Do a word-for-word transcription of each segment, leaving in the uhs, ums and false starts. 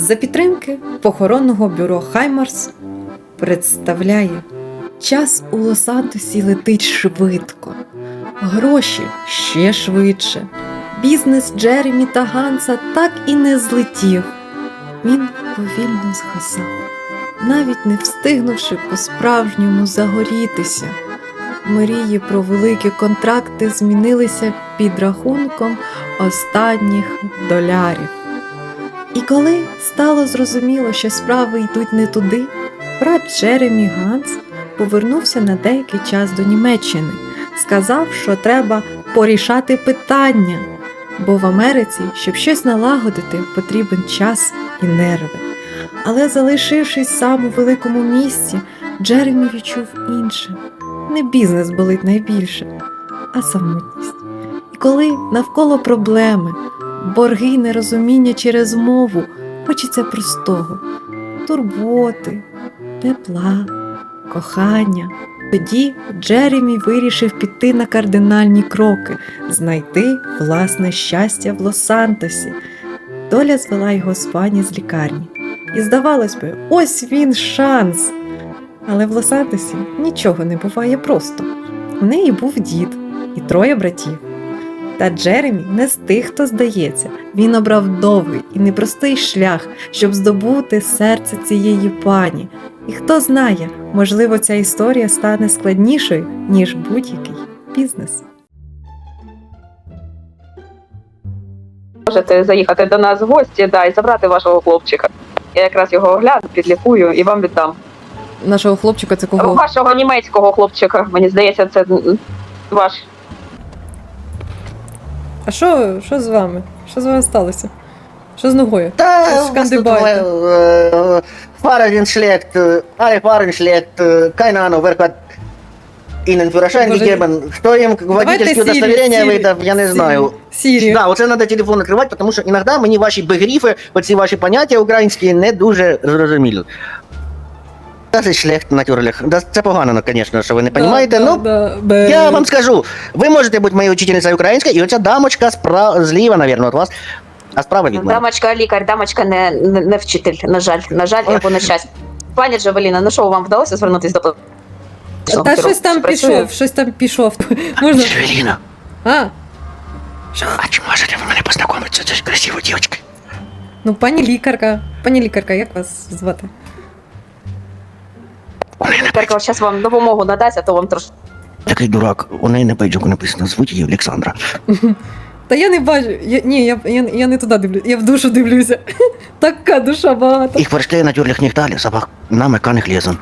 за підтримки похоронного бюро «Хаймарс» представляє: час у Лос-Сантосі летить швидко, гроші ще швидше. Бізнес Джеремі та Ганса так і не злетів. Він повільно згасав, навіть не встигнувши по-справжньому загорітися. Мрії про великі контракти змінилися під рахунком останніх долярів. І коли стало зрозуміло, що справи йдуть не туди, брат Джеремі Ганс повернувся на деякий час до Німеччини. Сказав, що треба порішати питання, бо в Америці, щоб щось налагодити, потрібен час і нерви. Але залишившись сам у великому місті, Джеремі відчув інше. Не бізнес болить найбільше, а самотність. І коли навколо проблеми, борги й нерозуміння через мову, хочеться простого – турботи, тепла, кохання. Тоді Джеремі вирішив піти на кардинальні кроки – знайти власне щастя в Лос-Сантосі. Доля звела його з пані з лікарні. І здавалось би, ось він шанс. Але в Лос-Сантосі нічого не буває просто. У неї був дід і троє братів. Та Джеремі не з тих, хто здається. Він обрав довгий і непростий шлях, щоб здобути серце цієї пані. І хто знає, можливо, ця історія стане складнішою, ніж будь-який бізнес. Можете заїхати до нас в гості, да, і забрати вашого хлопчика. Я якраз його огляну, підлікую і вам віддам. Нашого хлопчика це кого? Вашого німецького хлопчика, мені здається, це ваш. А що, що з вами? Що з вами сталося? Що з ногою? Да, Що у вас тут шкандибаєте? äh, Fahrradin schlägt, äh, alle Fahrradin schlägt, äh, keine Ahnung, wer hat Ihnen Führerschein Боже, gegeben, кто им водительские Сірі, удостоверения Сірі, выдав, я не Сірі, знаю. Сірі. Да, оце треба телефон накривати, тому що іноді мені ваші бегріфи, оці ваші поняття українські не дуже зрозумілі. Das ist schlecht, natürlich. Das- Це погано, звісно, що ви не розумієте, Да, ну, да, бе- я вам скажу, ви можете бути моєю учительницею українською, і оця дамочка спра... зліва, мабуть, від вас, а справа від мене. Дамочка лікар, дамочка не, не, не вчитель, на жаль, на жаль, або на щастя. Пані Джавеліна, ну що, вам вдалося звернутися до... Та щось там Працює? пішов, щось там пішов. Можна? Джавеліна, А, а чи можете ви мене познайомитися з цією красивою дівчинкою? ну пані лікарка. Пані лікарка, як вас звати? Лікарка зараз вам допомогу надасть, а то вам трошки... Такий дурак, у неї на пейджику написано, звуть її Олександра. Та я не бачу. Я, ні, я, я, я не туди дивлюся, я в душу дивлюся. Така душа багата. Їх вершки натюрлих нігталі, собак на меканих лізон.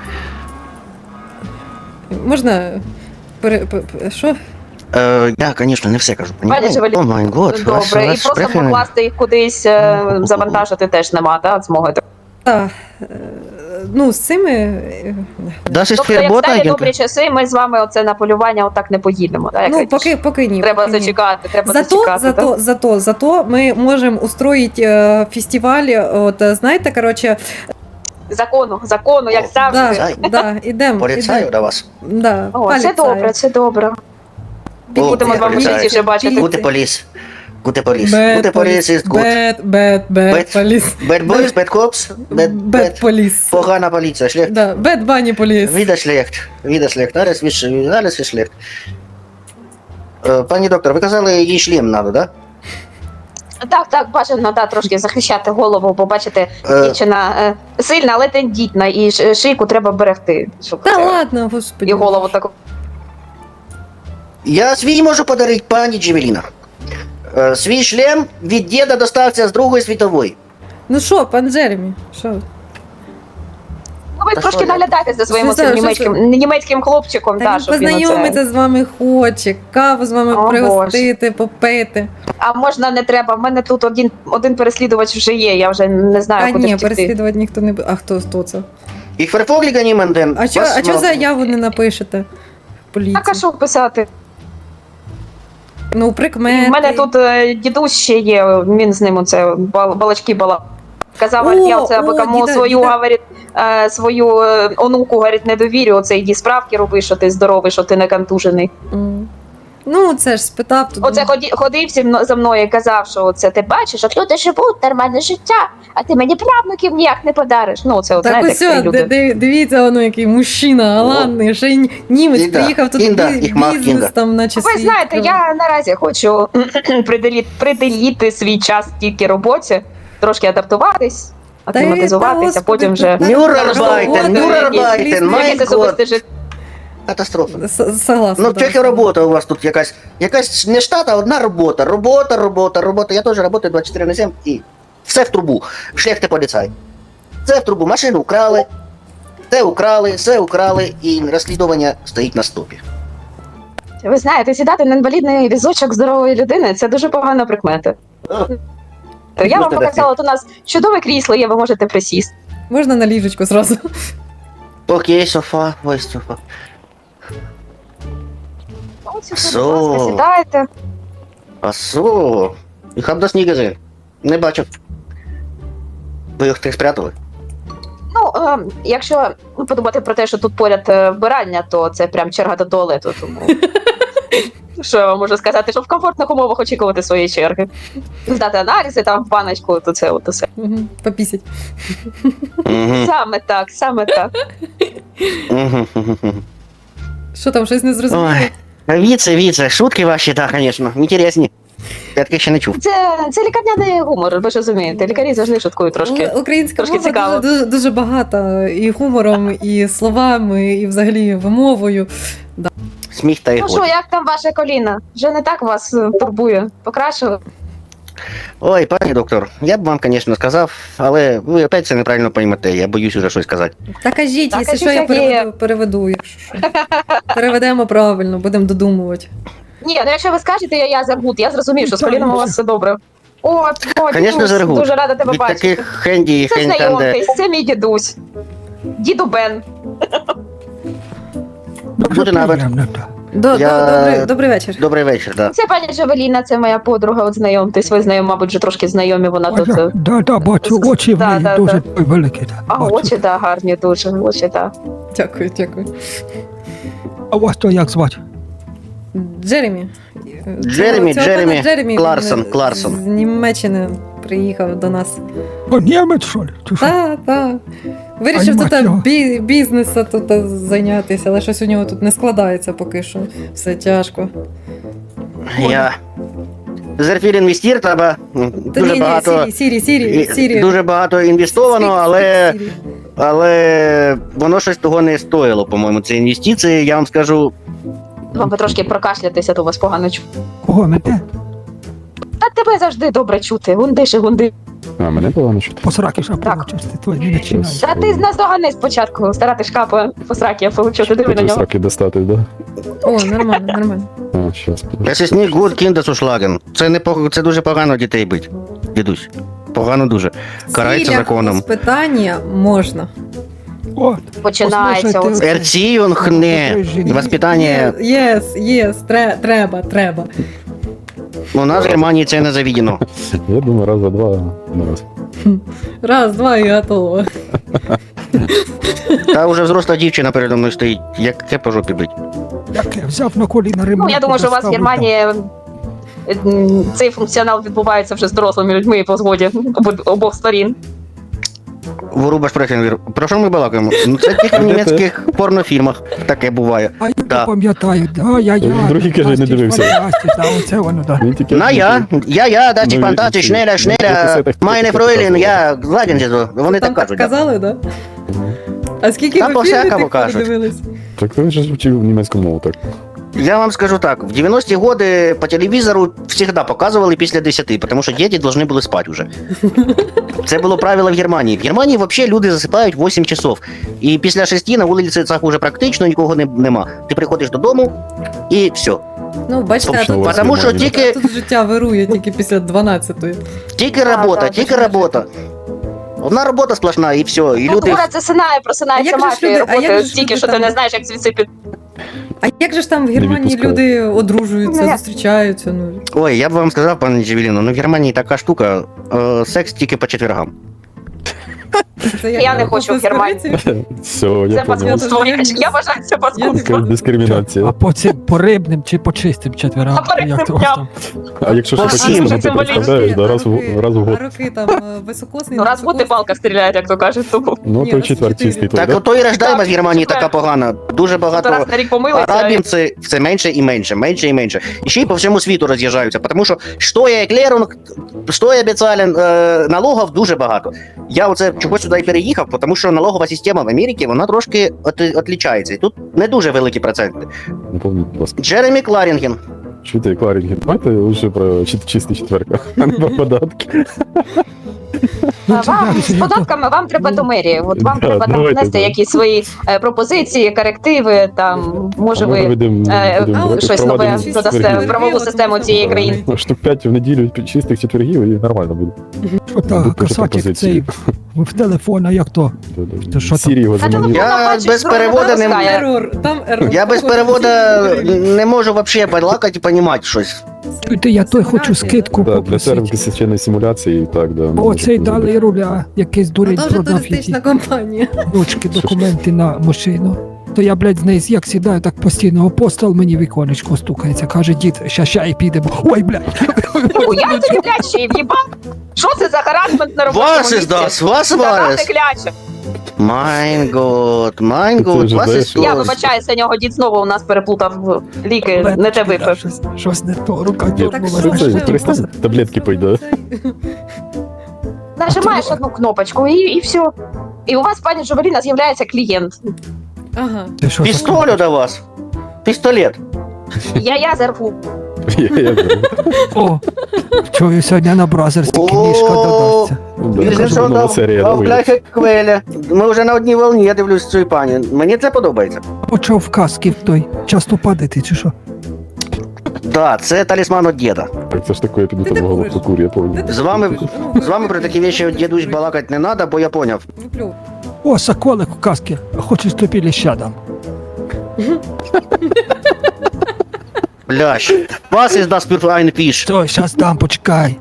Можна пере... пе- пе- що? Е, я, звісно, не все кажу. Пані Джавеліна, О май год, вас, добре, і вас просто шпрехи- покласти їх кудись, е, завантажити теж нема, так, змоги. Та, е, ну, з цими... е, Das ist Тобто, як verboten, сталі агент. добрі часи, ми з вами оце на полювання отак не поїдемо. Так, Ну, як поки, поки ні. треба поки ні. зачекати, треба Зато, зачекати. зато, так? зато, зато мы можем устроить э, фестиваль, от, э, знаєте, короче, Закону, закону, як завжди. да, Поліцай. да, ідем, Поліцаю ідем. до вас. Да, О, це поліцаю. добре, це добре. О, Будемо з вами поліцай. частіше бачити. Гути поліс. Гути поліс. Bad Гути поліс police, is good. bad, bad, bad Bad- police. Bad boys, bad cops, bad, Bad bad. police. Погана поліція, шлях. Да, bad bunny police. Wieder schlecht. Wieder schlecht. Alles ist, alles ist schlecht. Е, Пані доктор, ви казали, їй шлем надо, да? Так, так, бажано, да, трошки захищати голову, бо бачите, Е. дівчина е, сильна, але тендітна, і ш- шийку треба берегти. Щоб Та це- ладно, господи. І голову таку. Я свій можу подарити пані Джевеліна. Е, Свій шлем від діда достався з Другої світової. Ну що, пан Джеремі, що? Ну, ви Та трошки що я? наглядаєте за своїм Що оцим це, що німецьким, німецьким хлопчиком, Та да, він щоб він оце... познайомитися з вами хоче, каву з вами О, пригостити, попити. А можна не треба, в мене тут один, один переслідувач вже є, я вже не знаю, А куди ні, втекти. переслідувати ніхто не буде. А хто, хто це? Ich verfolge niemanden. А чо, а чо заяву не напишете? в Поліції? Так, а що писати? Ну, прикмети. У мене тут е, дідусь ще є, він з ним оце бал, балачки бала. Казав, О, говорить, я оце аби о, кому діда, свою, діда. говорить, е, свою е, онуку, говорить, не довірю, оце йди справки роби, що ти здоровий, що ти не контужений. М. Ну, це ж спитав. то Оце думаю, ході, ходив зі мно- за мною і казав, що це ти бачиш, от люди живуть нормальне життя, а ти мені правнуків ніяк не подариш. Ну, це от, Так знаєте, ось, як о, люди. ди- ди- дивіться, воно який мужчина, галантний, ще й німець Кінда, приїхав тут кінда, бі- їх мав бізнес кінда. там, наче Ви свій знаєте, відкривав. я наразі хочу приділити, приділити свій час тільки роботі, трошки адаптуватись, Та й- акліматизуватись, та, а потім вже господи, Нюрнберген, робота, Нюрнберген, якісь май якесь особисте життя. Катастрофа. С- Согласна. Ну, да. тільки робота у вас тут якась. Якась не штат, а одна робота. Робота, робота, робота. Я теж працюю двадцять чотири на сім і все в трубу. Шляхти поліцай. Це в трубу. Машину украли, це украли, все украли, і розслідування стоїть на стопі. Ви знаєте, сідати на інвалідний візочок здорової людини це дуже погана прикмета. То я вам Просто показала, от у нас чудове крісло є, ви можете присісти. Можна на ліжечку зразу. Окей, софа, ось софа. От сюди, Со. будь ласка, сідайте. А со? І хаб до снігези. Не бачив. Ви їх тих спрятали? Ну, е, якщо подумати про те, що тут поряд е, вбиральня, то це прям черга до туалету, тому. Що я вам можу сказати, що в комфортних умовах очікувати своєї черги. Здати аналізи там в баночку, то це от усе. Мгм, Попісять. Угу. Саме так, саме так. Угу. Що там, щось не зрозуміло? Ой, віце, віце, шутки ваші, так, звісно, інтересні. Я таких ще не чув. Це, це лікарняний гумор, ви ж розумієте. Лікарі завжди шуткують трошки. У- Українська трошки мова цікаво. дуже, дуже, дуже багата і гумором, і словами, і взагалі вимовою. Сміх та Ну ігор. що, як там ваше коліно? Вже не так вас е, турбує? Покращили? Ой, пані доктор, я б вам, звісно, сказав, але ви опять це неправильно поймете, я боюсь уже щось сказати. Та кажіть, Та якщо кажіть, що, я як є. переведу, переведу, якщо що. Переведемо правильно, будемо додумувати. Ні, ну якщо ви скажете, я, я забуд, я зрозумію, що з коліном у вас все добре. От, о, Конечно, дідусь, Заргут. дуже рада тебе Від бачити. таких хенді і Це хенді там, де... знайомтесь, це мій дідусь. Діду Бен. Буде навіть. До, Я- до, добрий, добрий вечір. Добрий вечір, да. Це пані Джавеліна, це моя подруга, от знайомтесь. Ви знайомі, мабуть, вже трошки знайомі, вона А, тут. да, е, да, да, бачу, очі в Да, неї да, дуже да. великі. Да, А бачу. очі, так, гарні дуже, очі, так. Дякую, дякую. А вас то як звати? Джеремі. Джеремі, Цього Джеремі пана Джеремі, Кларсон, він Кларсон. З Німеччини приїхав до нас. О, німець, що ли? Чи що? Так, так. Вирішив Ай, тут мать його. бі- бізнесом тут е, зайнятися, але щось у нього тут не складається поки що. Все тяжко. Я... Зерфіль інвестір, треба м, Та дуже ні, ні, багато... Сірі, Сірі, Сірі, і- Сірі. Дуже багато інвестовано, Скільки- але... скільки Сірі? Але воно щось того не стоїло, по-моєму. Це інвестиції, я вам скажу. Вам би трошки прокашлятися, то вас погано чути. Кого мене? Та тебе завжди добре чути. Гундиш і гунди. А, мене погано чути. Посраки ж Так. получиш, ти твої не починай. Та ти з нас догани спочатку. Старати шкапа по сраки, я получу. Ти диви на Тут нього. сраки достати, да? О, нормально, нормально. А, щас. Це сніг гуд кіндесушлаген. Це не пог- це дуже погано дітей бить. Дідусь. Погано дуже. Карається Цілях законом. питання можна. О, Починається Послухайте, оце. Ерціюнг не. Воспитання. Єс, єс, тре- треба, треба. У нас в Германії це не заведено. Я думаю, раз за два на раз. Раз, два і готово. Та вже взросла дівчина передо мною стоїть. Яке по жопі бить. яке, взяв на коліна ремонт. Ну, я думаю, що у вас в Германії м, цей функціонал відбувається вже з дорослими людьми по згоді обо- обох сторін. Воруба Шпрехенвір. Про що ми балакаємо? Ну це тільки в німецьких порнофільмах таке буває. А я Да. пам'ятаю, да, я, я. Другий, каже, не дивився. Да, оце воно, да. Він тільки... На я, я, я, да, ті Ну, фантазії, і- шнеля, і- шнеля, і- майне фройлін, я гладен зізу. Вони Там так кажуть. да. казали, да? А скільки Та ви по-всякому фільмів тих кажуть. подивились? Так він же вчив німецьку мову, так. Я вам скажу так, в девяностые годы по телевізору всегда показували після десяти, тому що діти повинні були спати вже. Це було правило в Германії. В Германії взагалі люди засипають вісім часов. І після шести на вулицях вже практично нікого не, нема. Ти приходиш додому і все. Ну, бачите, а Точно, тут, у вас Тому що Германія. тільки, тут життя вирує тільки після дванадцятої. тільки Да, робота, да, тільки дуже робота. Одна робота сплошна і все. І люди... Культура засинає, просинається А як же ж мафія, люди- а як роботи же ж стільки, люди що ти там- не знаєш, як звідси під... А як же ж там в Германії відпускають. люди одружуються, Ну, я- зустрічаються? Ну, Ой, я б вам сказав, пане Джевеліно, ну в Германії така штука, е, секс тільки по четвергам. Це як Я не хочу в Германію. Все, я Це понял. паскудство. Я я вважаю це Якась паскудство. дискримінація. А по цим по рибним чи по чистим четверам? А по рибним Як то у вас я- там? А якщо По що по всім. чистому, Це ти представляєш, да, раз в раз в А год. роки там е, високосний. Ну, раз в год і невисокосний. палка стріляє, як то кажуть, тому Ну, Ні, той раз в четвер чотири. чистий той, Так да? ото і рождаємость в Так, Германії четвер. така погана. Дуже то раз багато на рік помилися. арабів це, це менше і менше, менше і менше. І ще й по всьому світу роз'їжджаються, тому що що є клерунг, що є обіцяли, е, налогів дуже багато. Я оце чогось сюди і переїхав, тому що налогова система в Америці, вона трошки от, отлічається. І тут не дуже великі проценти. Напомніть, будь ласка. Джеремі Кларінген. Чуєте, Кларінген, давайте лише про чис- чистий четверка, а не про податки. Ну, А це Вам як з це, як то? податками вам треба до мерії. От вам Да, треба там давайте, внести да. якісь свої е, пропозиції, корективи. Там може А ми ви будемо- е, будемо а, щось нове впроваджувати додасте четверги. в правову систему цієї країни. Ну, штук п'ять в неділю чистих четвергів і нормально буде. Що та Будуть пише касатик пропозиції. цей в телефона, як то? То що там? Сірі його Та заманив. телефон- Я бачиш, без правда, переводу не розкаже. Ерор, там ерор. я без переводу не можу взагалі балакати і розуміти щось. Чуєте, я той хочу скидку Да, для попросити. сервісної симуляції, так, да. О, може цей бути. дали руля, якийсь Ну, дурень там же продав туристична які компанія. ручки, документи на машину. То я, блядь, з неї як сідаю, так постійно апостол мені віконечко стукається. Каже, дід, ща ща і підемо. Ой, блядь. Ну, я тобі кляче і в'їбав. Що це за харасмент на робочому Вас місці? іздас, вас Задати варес. кляче. Майн год, майн Це год, вже, вас знаєш, Я іздас. вибачаюся, нього дід знову у нас переплутав ліки, Блядь, не те да, випив. Щось, щось не то, рука Ні, Так дьорнула. що це- ж це ти? перестань, таблетки пойде. Нажимаєш одну кнопочку і, і все. І у вас, пані Джувеліна, з'являється клієнт. Ага. Ти що таке? Пістолю до вас. Пістолет. Я я зарву. Я- я знаю. О, чую, сьогодні на бразерській О, книжка додасться. Ну, да, Вільзен це нова серія, да, в вийде. бляхе Квеля. Ми вже на одній волні, я дивлюсь цю пані. Мені це подобається. Почав в каски в той. Часто падати, чи що? Так, це талісман від діда. Так, це ж таке, я піду Ти там не голову куриш. покурю, я пам'ятаю. З вами, Ну, з вами про такі речі дідусь балакати не треба, бо я поняв. Виплюв. О, соколик в каски. Хочеш тобі ліща дам? Блящ. Вас із das für ein Fisch. Стой, щас дам, почекай.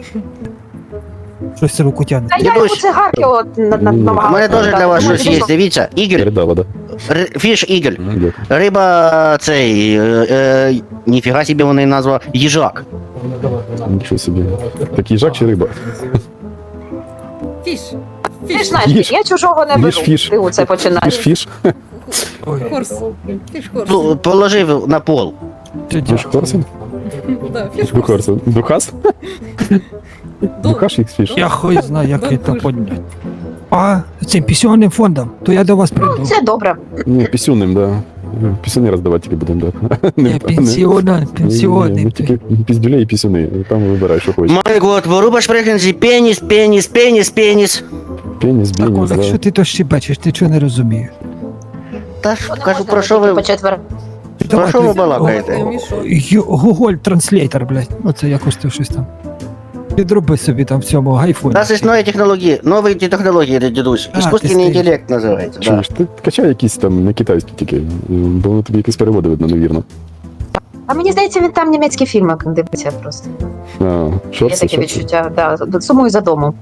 Щось руку тягне. Та я йому Дідусь. цигарки от на- на- Ні. У намагалася. мене теж для вас Думаю, щось є. що- Дивіться, ігель, Передала, да? р- фіш ігель. Дякую. Риба цей, е, е, ніфіга собі вони назва, їжак. Нічого собі. Так їжак чи риба? Фіш. Ти ж Фіш. знаєш, Їж. я чужого не Їж беру. фіш. Ти оце починаєш. Фіш-фіш? Ой, Хорс. Фіш хорс. Пл- Положив на пол. ти Фіш Корсен? Да, фіш хорс. Духарсен. Духас? Духаш їх фіш? Я хуй знаю, як Дон це Пуш. поднять. А, цим пенсіонним фондом, то я до вас прийду. Це добре. Ні, пісюнним, да. Пісюни роздавати тільки будемо, да. Я Не- пенсіонер, не- пенсіонний. Ну, ти. тільки піздюлей і пісюни. Там вибирай, що хочеш. Май год, воруба шпрехензі, пеніс, пеніс, пеніс, пеніс. Пеніс, Так, бініс, Олег, що да. ти то щебечеш, ти чого не розумієш? Та ж, Що не кажу, можна про що ви, по четвер. про що ви ти- балакаєте? Я мішок. Ю- Google Translator, блядь. Оце якось ти щось там. Підроби собі там в цьому айфоні. У нас є нові технології, нові технології, дідусь. А, Іскусственний ти стоїш. інтелект називається. Да. Чуєш, ти качай якісь там не китайські тільки, бо воно тобі якісь переводи видно, невірно. А мені здається, він там німецькі фільми дивиться просто. А, Є шорси, таке шорси. відчуття. Да. Сумую за домом.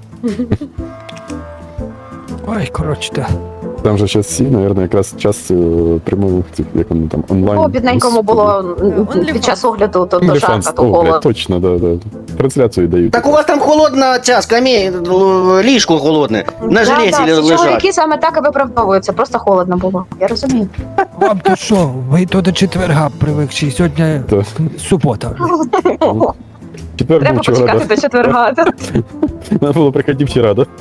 Ой, коротше, так. Там же зараз всі, мабуть, якраз час е, прямого, цих, як вони там, онлайн. О, бідненькому було м, OnlyFans. під час огляду, то, то OnlyFans. жарко, то О, блядь, холодно. точно, да, да. Трансляцію дають. Так у вас там холодна ця скам'я, л- ліжко холодне, на жилеті да, да, всі лежать. чоловіки саме так і виправдовуються, просто холодно було. Я розумію. Вам то що, ви то до четверга привикші, сьогодні Так. субота. Четвер Треба був вчора, почекати да. до четверга. Надо було приходити вчора, да?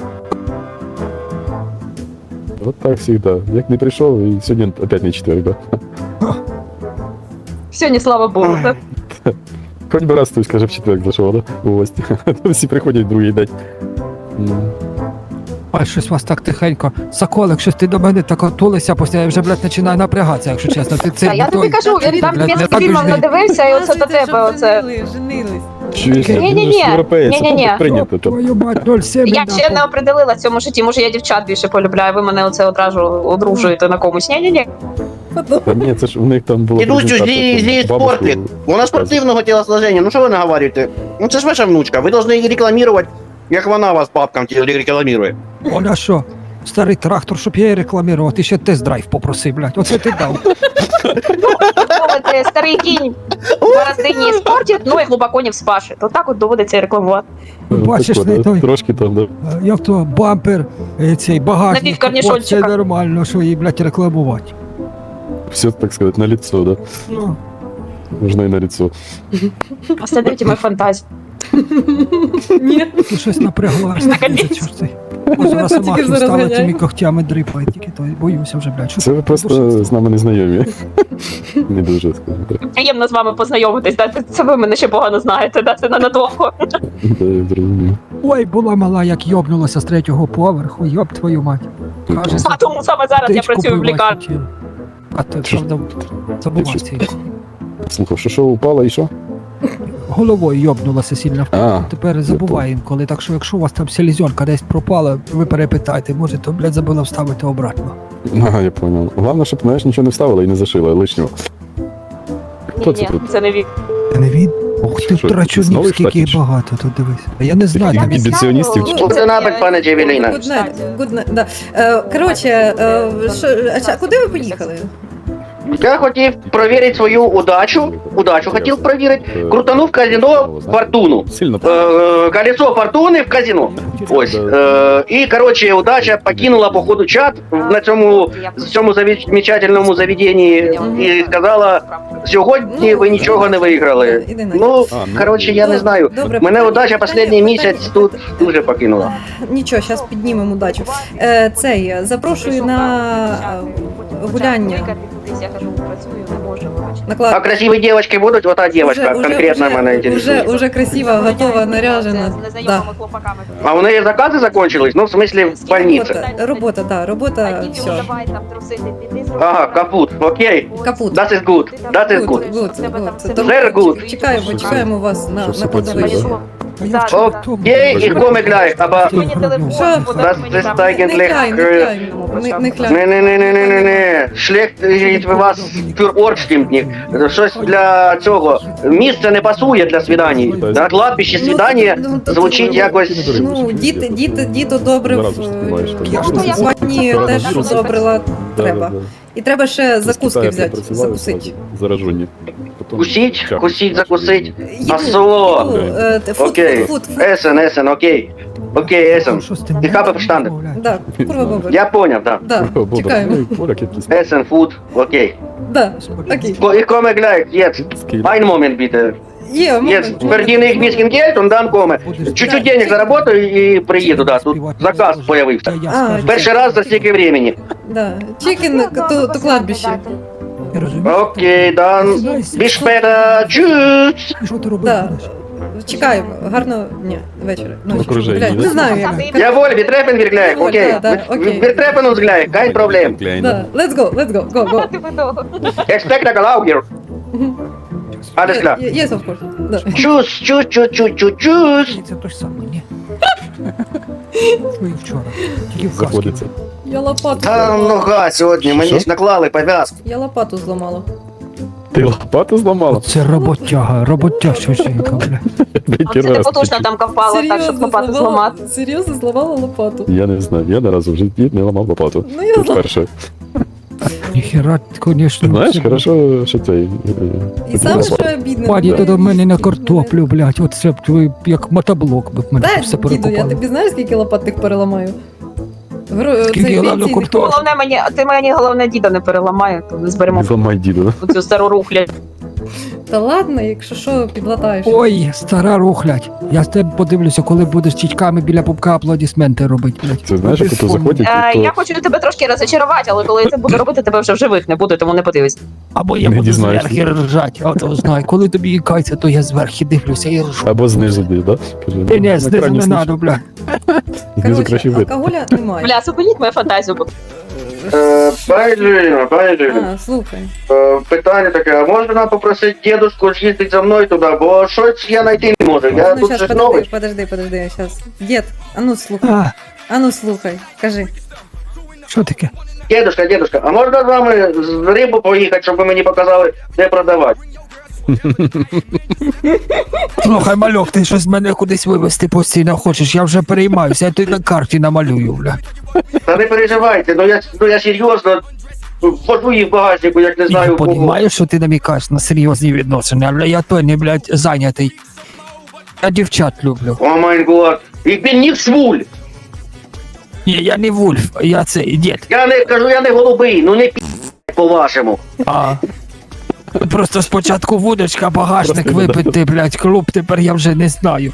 Вот так всегда. Як не прийшов, і сьогодні опять не четверг, да? Сьогодні, слава Богу. так. Хоч би раз хтось каже, в четверг зайшов, да? У гості. Всі приходять другий день. М. Ой, щось у вас так тихенько. Соколик, щось ти до мене так отулися, після я вже, блядь, починаю напрягатися, якщо чесно. Ти це Та я тобі кажу, він там блядь, не німецький так фільм уж не- надивився, і оце до Показуйте, тебе щоб оце. женили- Женились. Чуєш, Ні-ні-ні, він ж європеєць, ні-ні-ні. там прийнято. Там. Твою мать, нуль сім. Я ще не определила в цьому житті, може я дівчат більше полюбляю, ви мене оце одразу одружуєте на комусь. Ні-ні-ні. Та ні, це ж у них там було... Дідусь, презентація, зі, там зі бабушку- спортик. Вона спортивного тілосложення, ну що ви наговорюєте? Ну це ж ваша внучка, ви повинні її рекламувати, як вона вас бабкам ті- рекламує. Вона що? Старий трактор, щоб я її рекламував, ти ще тест-драйв попросив, блядь. Оце ти дав. Мовити, старий кінь в бороздині спортить, ну і глибоко не вспашить. То так от доводиться рекламувати. Бачиш, Так, не от, той. Трошки там, да. Е, Як то бампер, е, цей багажник, Напівкорнішончика. це нормально, що її, блядь, рекламувати. Все, так сказать, на лицо, да. Ну, Можна і на лицо. Остановите мою фантазію. Ні. ти щось напряглась. Наконець. Чорти. Може, раз сама Тільки зараз стала ганяє. тими когтями дрипає, тільки то боюся вже, блядь. Що Це ви ти просто душишся? з нами не знайомі. Не дуже, скажімо так. Приємно з вами познайомитись, да? Це ви мене ще погано знаєте, да? Це ненадовго. Да, я зрозумів. Ой, була мала, як йобнулася з третього поверху, йоб твою мать. Каже, А тому саме зараз я тичку працюю в пила лікарні. хотіла. А ти правда забував цей. Слухав, що що упало і що? Головою йобнулася сильно. А, Тепер забуває інколи, так що якщо у вас там селезенка десь пропала, ви перепитайте, може, то, блядь, забула вставити обратно. ага, я понял. Головне, щоб, знаєш, нічого не вставила і не зашила лишнього. Хто це Ні, ні, тут? це не він. Це не він? Ох ти Що, трачунів, знову скільки їх штатніше? багато, тут дивись. А я не знаю, Я там не він- знаю. Імбіціоністів чи- Good night, пане Джевеліна. Good night, good night, да. Е, Коротше, е, що, а ча- куди ви поїхали? Я хотів провірити свою удачу. Удачу хотів провірити. Крутанув в казино фортуну. Сильно. Э, колесо фортуни в казино. Ось. Е, і, коротше, удача покинула, походу, чат на цьому, в цьому замечательному заведенні і сказала, сьогодні ви нічого не виграли. Іди на. Ну, А, ну, коротше, я не знаю. Добре, Мене питання- удача питання- останній місяць питання- тут дуже покинула. Нічого, зараз піднімемо удачу. Е, цей, запрошую на е, гуляння. Я кажу, працюю, не можу, вибачте. На А клад. красиві дівчатки будуть? Ота дівчатка конкретно уже, мене уже, інтересує. уже красиво, готова, наряжена. З Да. незнайомими хлопаками. А у неї закази закончились? Ну, в смислі, в больниці. Робота, робота, да, робота, Іди, все. давай там трусити, піди, зроби. Ага, капут, окей. Капут. That is good, that is good. Good, good. Very good. Чекаємо, чекаємо вас на, Що на все кладовищі. працює, А я Да, вчора да. в тому- Окей, і коми гляй, аба... Мені телефон, Що? подаруй Das мені ist там. Не eigentlich... кляй, не äh, кляй, не, не кляй. Не-не-не-не-не-не. Шлект від вас für Ortstimmtnik. Щось для цього. Місце не пасує для свідань. На кладбищі свідання Ну, то- звучить то- якось... Ну, діти, діти, діти добре в Зразу ж знімаєш, так. Я ж в не спальні знаю. теж Вірус. добрила треба. І треба ще закуски взяти, закусити. Заражені. Потім Кусіть, чахнуть. кусіть, закусить. Їду, Асо. їду, е, те, фуд, Окей. фуд, фуд, фуд. Есен, есен, окей. Окей, есен. Що з тим? І хапа verstanden. Да, курва баба. Я поняв, да. Да, О, Бобр, чекаємо. ну, і поляк якийсь. Есен, фуд, окей. Да, окей. Ko- Ich komme gleich, jetzt. Скільки? Ein Moment bitte. Є, Jetzt момент. verdiene ich ein bisschen Geld und dann komme. Чуть-чуть денег заработаю і приїду, да. Тут заказ появився. А, Перший раз за стільки времени. Да. Чикен то, то кладбище. Я розумію. Окей, dann bis später. Tschüss. Що ти робиш? Да. Чекаємо. Гарного дня, вечора. Ночі. Окруження, Блядь, да? не знаю як. Jawohl, wir treffen wir gleich, Jawohl, окей. да, да, окей. Wir treffen uns gleich, kein Problem. Да, let's go, let's go, go, go. Ти видовго. Expectacle auch hier. Alles klar. Ye- Yes, of course. Да. Tschüss, tschüss, tschüss, tschüss, tschüss, tschüss. Це той самий, ні. Що і вчора. Тільки в касці. Заходиться. Я лопату Та зламала. нога сьогодні, мені Що? ж наклали пов'язку. Я лопату зламала. Ти лопату зламала? Оце роботяга, роботяща жінка, бля. Третій А це раз. потужно там копала, так, щоб Серйозно лопату зламала, зламати. серйозно зламала лопату. Я не знаю, я не разу в житті не ламав лопату. Ну я зламала. Вперше. Ніхера, звісно. Знаєш, хорошо, що цей... І саме що обідне. Паді ну, до мене на картоплю, блядь, оце б ви як мотоблок би в мене Дай, все діду, я перекопали. тобі знаєш, скільки лопат тих переламаю? Гро... Скільки цей я ладно пенсійний купив? фонд. Головне мені, ти мені головне діда не переламає, то не зберемо Не зламай діду, да? цю стару рухлядь. Та ладно, якщо що, підлатаєш. Ой, стара рухлядь. Я з тебе подивлюся, коли будеш чічками біля пупка аплодисменти робити, блядь. Це знаєш, як Без ото фону. заходять, Е, і Я то... хочу тебе трошки розочарувати, але коли я це буду робити, тебе вже в живих не буде, тому не подивись. Або я Не буду дізнаєшся. зверхи ржать, а то знаю, коли тобі ікається, то я зверхи дивлюся і ржу. Або знизу десь, да? Каже, Ні, на ні, знизу екрані не слиш. надо, блядь. Знизу краще Коротше, вид. алкоголя немає. Бля, зупиніть мою фантазію, бо Е, Пані Джуліна, пані Джуліна, А, слухай. е, питання таке, а можна попросити дедушку з'їздити за мною туди, бо щось я знайти не можу, я Ну, тут щас, щось подожди, новий. подожди, подожди, щас. Дід, а ну слухай, А, а ну слухай, кажи. що таке? Дедушка, дедушка, а можна з вами з рибу поїхати, щоб ви мені показали, де продавати? Слухай, мальок, ти щось мене кудись вивезти постійно хочеш, я вже переймаюся, я тобі на карті намалюю, бля. Та не переживайте, ну я, ну я серйозно, пожу їх в багажнику, як не Я знаю кого. розумію, що ти намікаєш на серйозні відносини, але я той не, блядь, зайнятий. Я дівчат люблю. О май год, їх він не швуль. Ні, я не вульф, я цей дід. Я не кажу, я не голубий, ну не пі по-вашому. А. Просто спочатку вудочка, багажник Просто випити, блядь, клуб, тепер я вже не знаю.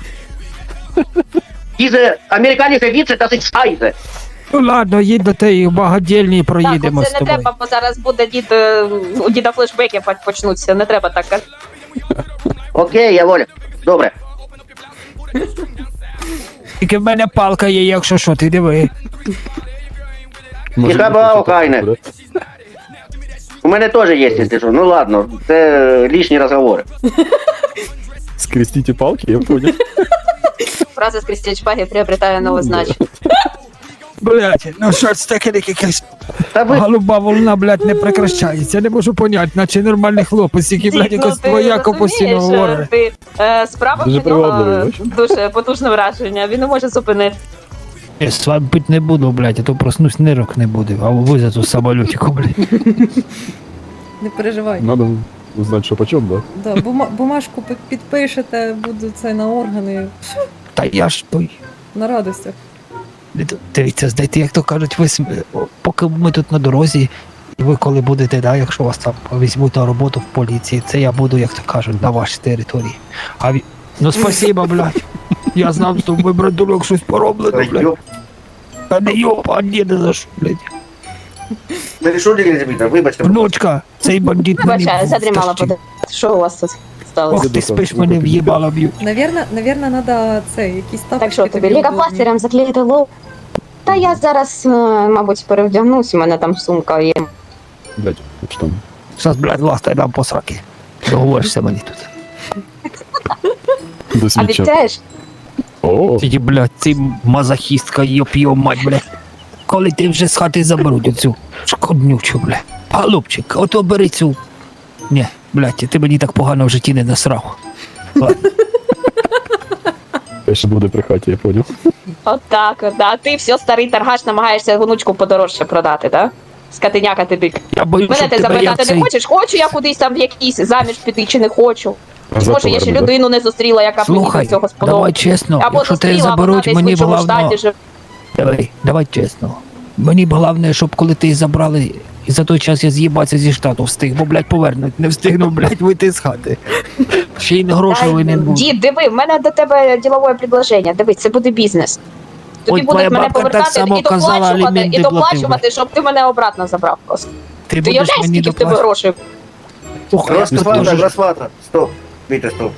Diese американська віце та шайзе. Ну ладно, їдь до тієї багадільні і Так, проїдемо з це не тобою. треба, бо зараз буде дід, е, у діда флешбеки по- почнуться, не треба так казати. Окей, я воля. Добре. Тільки в мене палка є, якщо що, ти диви. Може, Яка бути, була що Україна? так буде. У мене теж є, якщо що. Ну ладно, це лишні розговори. Скрестите палки, я понял. Фраза з Крістіч Пагі приобретає нове значення. Блядь, ну що це таке, якась Та ви голуба волна, блядь, не прекращається. Не можу поняти, наче нормальний хлопець, який, блядь, Дід, якось ти твояко розумієш, постійно говорить. Ти, е, справа Дуже про нього привабливий, е, дуже потужне враження, він не може зупинити. Я з вами пити не буду, блядь, а то проснусь, нирок не буде, а ви за ту самолютику, блядь. Не переживай. Надо узнать, що почем, да? Да, бума- бумажку пи- підпишете, буду це на органи. Та я ж той. На радостях. Дивіться, знаєте, як то кажуть, ви см- о, поки ми тут на дорозі, і ви коли будете, да, якщо вас там візьмуть на роботу в поліції, це я буду, як то кажуть, на вашій території. А ві... Ну спасибо, блядь. Я знав, що ви, братулок, щось пороблено, блядь. Та не йоп, а ні, не за що, блядь. не що не забіта, вибачте. Внучка, цей бандит мені Вибачаю, в задрімала тащив. подати. Що у вас тут сталося? Ох, ти спиш, мене в'їбала б'ють. Навірно, навірно, надо це, якісь тапочки. Так що тобі удобні. лікопластирем заклеїти лоб? Та я зараз, е, мабуть, перевдягнусь, у мене там сумка є. Блять, що там? Зараз, блядь, ластай дам по сраки. Договоришся мені тут. До слідча. Обіцяєш? О, Тільки, блядь, ти мазохістка, йоп йо мать, блядь. Коли ти вже з хати заберуть оцю шкоднючу, блядь. Голубчик, ото бери цю. Ні, блядь, ти мені так погано в житті не насрав. Ладно. ще буде при хаті, я понял. От так, от, да. Ти все старий торгаш, намагаєшся внучку подорожче продати, так? Да? Скотиняка ти дик. Я боюсь, Мене щоб ти тебе як запитати цей... не хочеш? Хочу я кудись там в якийсь заміж піти чи не хочу. Чи За може я ще товарами, да? людину не зустріла, яка б мені Слухай, до цього давай сподобалась. чесно, Або якщо тебе зустріла, вона заберуть, десь в мені іншому головне... штаті живе. Давай, давай чесно. Мені б головне, щоб коли ти забрали, і за той час я з'їбатися зі штату встиг, бо, блядь, повернуть, не встигну, блядь, вийти з хати. Ще й не грошей винен був. Дід, диви, в мене до тебе ділове предложення. Диви, це буде бізнес. Тобі Ой, твоя будуть мене бабка так повертати само і казала, доплачувати, аліменти і платив, доплачувати, щоб ти мене обратно забрав просто. Ти Ти будеш уявляєш, мені скільки в тебе доплачувати. грошей? Слухай, я тут Розплата, дуже... розплата. Стоп. Вітя, стоп.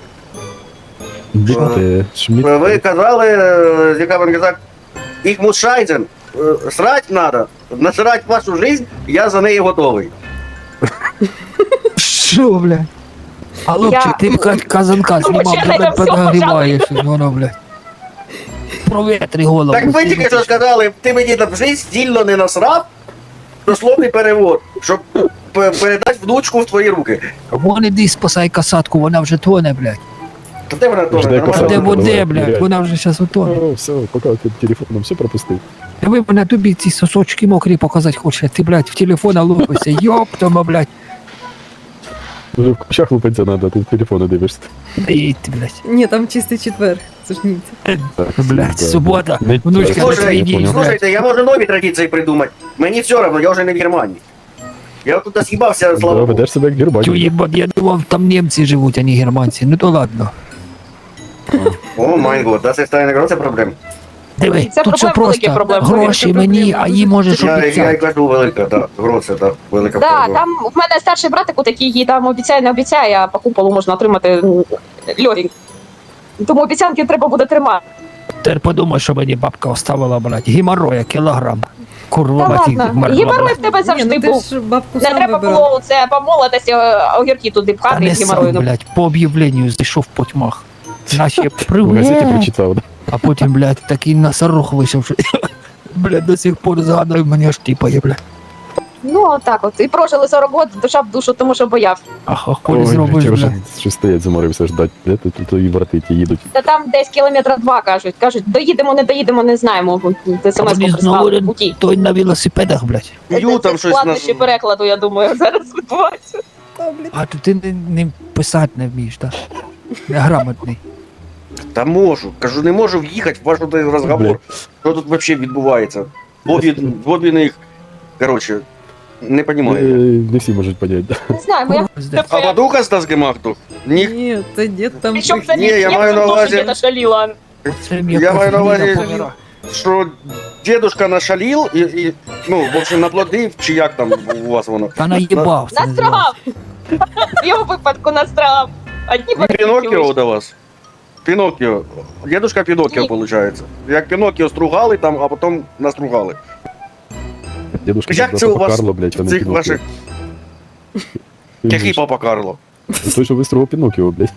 Біти, шміт. Ви казали, е, яка він казав, їх мушайзен, е, срать надо, насрать вашу жизнь, я за неї готовий. Що, блядь? А Лупчик, Я- ти б ка- казанка Ну, знімав, вчора тебе я все подогріваєш, воно, блядь. Провітри голову. Так ви тільки що сказали, ти мені на жизнь стільно не насрав, дословний перевод, щоб п- передати внучку в твої руки. Вон іди спасай касатку, вона вже тоне, блядь. Та де вона теж Жде нормально? касатку. Де давай, воде, блядь, ныряй. вона вже зараз утоне. О, все, поки ти телефоном все пропустив. Ви мене тобі ці сосочки мокрі показати хочеш, ти, блядь, в телефона лупишся, йоптома, блядь. Вже в кущах лупиться надо, ти в телефони дивишся. Ій ти, блядь. Ні, там чистий четвер. Це ж ні. Так, Блядь, да. субота, Не- внучка на Слушай, твій день, блядь. Слушайте, я можу нові традиції придумати. Мені все одно, я вже не в Германії. Я тут з'їбався, Да, слава Богу. ведеш себе як Тю, Германія. їбать, я думав, там німці живуть, а не германці. Ну то ладно. О, май год, das ist eine große Problem. Диви, Це тут все проблема, великі просто. проблеми. Гроші Це мені, проблема. а їй можеш Я, я й обіцяти. кажу велика, да, гроце, да, велика Так, проблема. там в мене старший братик, такий їй там обіцяє, не обіцяє, а по куполу можна отримати м, льогінь. Тому обіцянки треба буде тримати. Тепер подумай, що мені бабка оставила, блядь. Геморроя, кілограм. Курва, Та матінь, ладно, мерзла, геморрой блядь. в тебе Ні, завжди ну ти був. ж бабку Не сам треба вибирав. було це по молодості е, огірки туди Та пхати не і сам, геморрою. блядь, по об'явленню зайшов по тьмах. Наші В газеті привет. прочитав, да? А потім, блядь, такий носорог вийшов, що, блядь, до сих пор згадую, мені аж тіпає, блядь. Ну, отак от. І прожили сорок років, душа в душу, тому що бояв. Ах, ах, колі Ой, зробиш, блядь, я вже бля. щось стоять, заморився ждать. Де тут тут і брати ті їдуть. Та там десь кілометра два, кажуть. Кажуть, доїдемо, не доїдемо, не знаємо. А Смс-ку вони прислали в знову путі. той на велосипедах, блядь. Ю, Це там щось складнощі на... перекладу, я думаю, зараз відбувається. А то ти не, не писати не вмієш, так? Неграмотний. Та можу. Кажу, не можу в'їхати в ваш тут розговор. Що тут взагалі відбувається? Обі, обі них, коротше, не Е, розумію. Не всі можуть поняти. Не знаю, моя А подуха з Дазгемахту? Ні. Ні, це дід там Причому прихід- це Ні, я маю на увазі- Я шаліла. Це Я маю на увазі- помирав. Що дедушка нашалів і, і, ну, в общем, наплодив, чи як там у вас воно? Та наїбав. це називається. Настрагав! В його випадку настрагав. Одні Ну, Піноккіо до вас. Піноккіо. Дедушка Піноккіо, Ні. виходить. Як Піноккіо стругали там, а потім настругали. Дедушка Як як це у вас Карло, блядь, а не Цих Піноккіо. ваших... Який папа Карло? Той, що вистрого Піноккіо, блядь.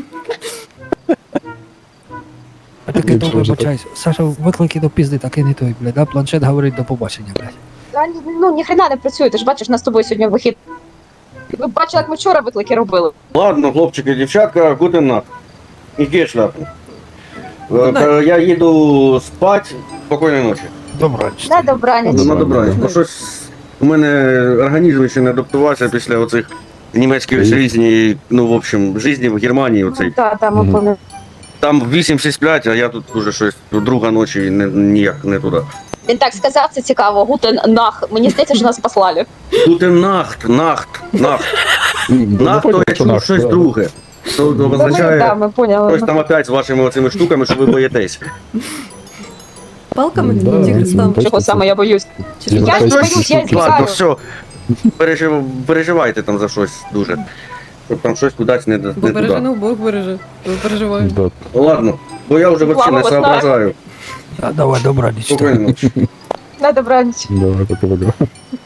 А таке то Нічого ж вибачайся. Саша, виклики до пізди, так і не той, блядь. Да? Планшет говорить до побачення, блядь. Та, Ну, ніхрена не працює, ти ж бачиш, нас з тобою сьогодні вихід. Ви бачили, як ми вчора виклики робили. Ладно, хлопчики, дівчатка, гутен нах. Ідіть шляпу. Good Е, Я їду спать. Спокійної ночі. Добраніч. На добраніч. Ну, На добраніч. Бо щось у мене організм ще не адаптувався після оцих німецьких Привіт. житті, ну, в общем, житті в Германії оцей. Так, так, ми Мгм. пам'ятаємо. Там вісім всі сплять, а я тут уже щось друга ночі не, ніяк не туди. Він так сказав, це цікаво. Гутен нах. Мені здається, що нас послали. Гутен нахт, нахт, нахт. Ну, Нахт, то я чув нахт, щось да. друге. То Та ми, означає, да, ми поняли. хтось там опять з вашими оцими штуками, що ви боїтесь. палками Да, чи хрестом. ну, Чого саме я боюсь? Чи Я Я що? ж Тобто, боюсь, я ладно, Ладно, злякаю. все. Пережив... Переживайте там за щось дуже. Щоб там щось кудись не, не Бо береже, туди. ну Бог береже. Ви переживаєте. Да. Ладно, бо я вже взагалі не Слава Богу, соображаю. А, давай, добраніч. Спокійно. На добраніч. Давай, пока-пока.